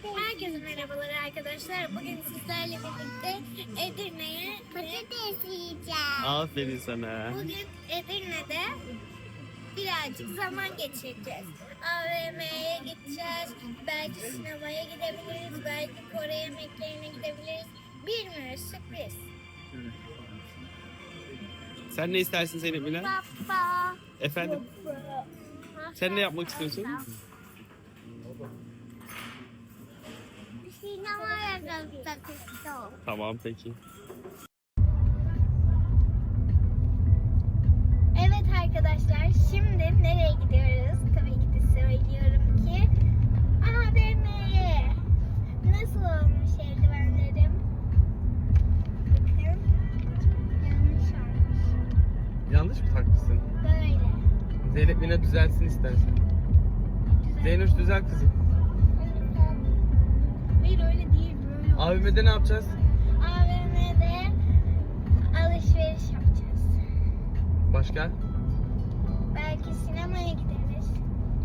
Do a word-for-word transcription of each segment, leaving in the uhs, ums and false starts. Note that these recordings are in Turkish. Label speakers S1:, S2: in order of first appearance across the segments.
S1: Herkese merhabalar arkadaşlar. Bugün sizlerle birlikte Edirne'ye patates yiyeceğiz.
S2: Aferin sana.
S1: Bugün Edirne'de birazcık zaman geçireceğiz. A V M'ye gideceğiz. Belki sinemaya gidebiliriz. Belki Kore yemeklerine gidebiliriz. Bilmiyoruz, sürpriz.
S2: Sen ne istersin Zeynep Mila?
S1: Baba.
S2: Efendim? Sen ne yapmak istiyorsun?
S1: Sinemaya gitmek istiyorum.
S2: Tamam peki.
S1: Evet arkadaşlar, şimdi nereye gidiyoruz? Tabii ki de söylüyorum ki A V M'ye. Nasıl olmuş eldivenlerim? Bakın, yanlış olmuş.
S2: Yanlış mı takmışsın?
S1: Böyle.
S2: Zeynep Mila düzelsin istersen.
S1: Güzel.
S2: Zeynoş düzel kızım.
S1: Hayır öyle değil, böyle.
S2: A V M'de ne yapacağız?
S1: A V M'de alışveriş yapacağız.
S2: Başka?
S1: Belki sinemaya gideriz.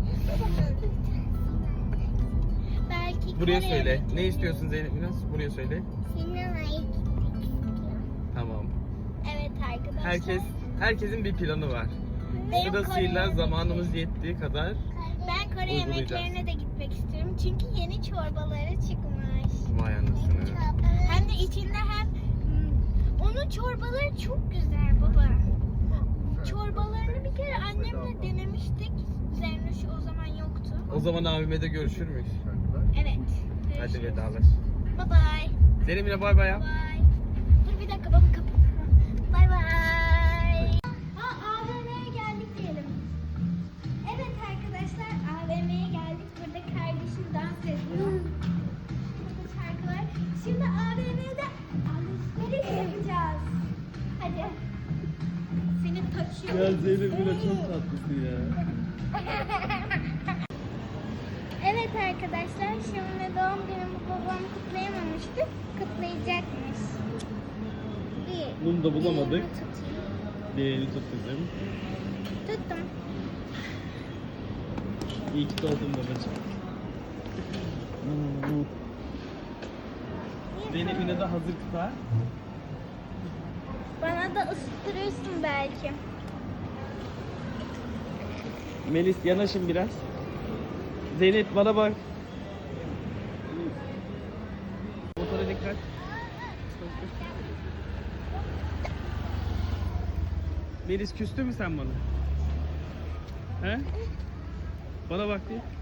S1: Belki
S2: Buraya
S1: Kore
S2: söyle.
S1: yemeklerine-
S2: Ne istiyorsun Zeynep Mila? Buraya söyle.
S1: Sinemaya gitmek istiyorum.
S2: Tamam.
S1: Evet arkadaşlar.
S2: Herkes herkesin bir planı var.
S1: Benim
S2: Sırasıyla
S1: Kore
S2: zamanımız yettiği kadar
S1: Ben Kore
S2: uygulayacağız.
S1: yemeklerine de gitmek istiyorum. Çünkü yeni çorbaları çıkmış.
S2: vay anasını.
S1: Hem de içinde hem hmm, onun çorbaları çok güzel baba. Çorbalarını bir kere annemle denemiştik. Zernuş o zaman yoktu.
S2: O zaman A V M'de görüşür müyüz?
S1: Evet.
S2: Hadi vedalaş.
S1: Bye bye.
S2: Zeynep Mila bay bay yap.
S1: Bye. Dur bir dakika baba kapat. Bye bye. Ha A V M'ye geldik diyelim. Evet arkadaşlar A V M'ye geldik. Burada kardeşim dans ediyor. Burada şarkı var. Şimdi A V M'de alışveriş yapacağız. Hadi. Seni taşıyorum.
S2: Zeynep Mila çok tatlısın ya.
S1: Evet arkadaşlar, şimdi doğum günümü babam kutlayamamıştı. Kutlayacakmış. Bir.
S2: Bunu da bulamadık.
S1: Elimi tutayım.
S2: Diğerini tut kızım.
S1: Tuttum.
S2: İyi ki doğdun babacığım. Zeynep Mila da hazır kıta.
S1: Bana da ısıtırırsın belki.
S2: Melis yanaşın biraz. Zeynep bana bak. Motora dikkat. Melis küstü mü sen bana? He? Bana bak diye.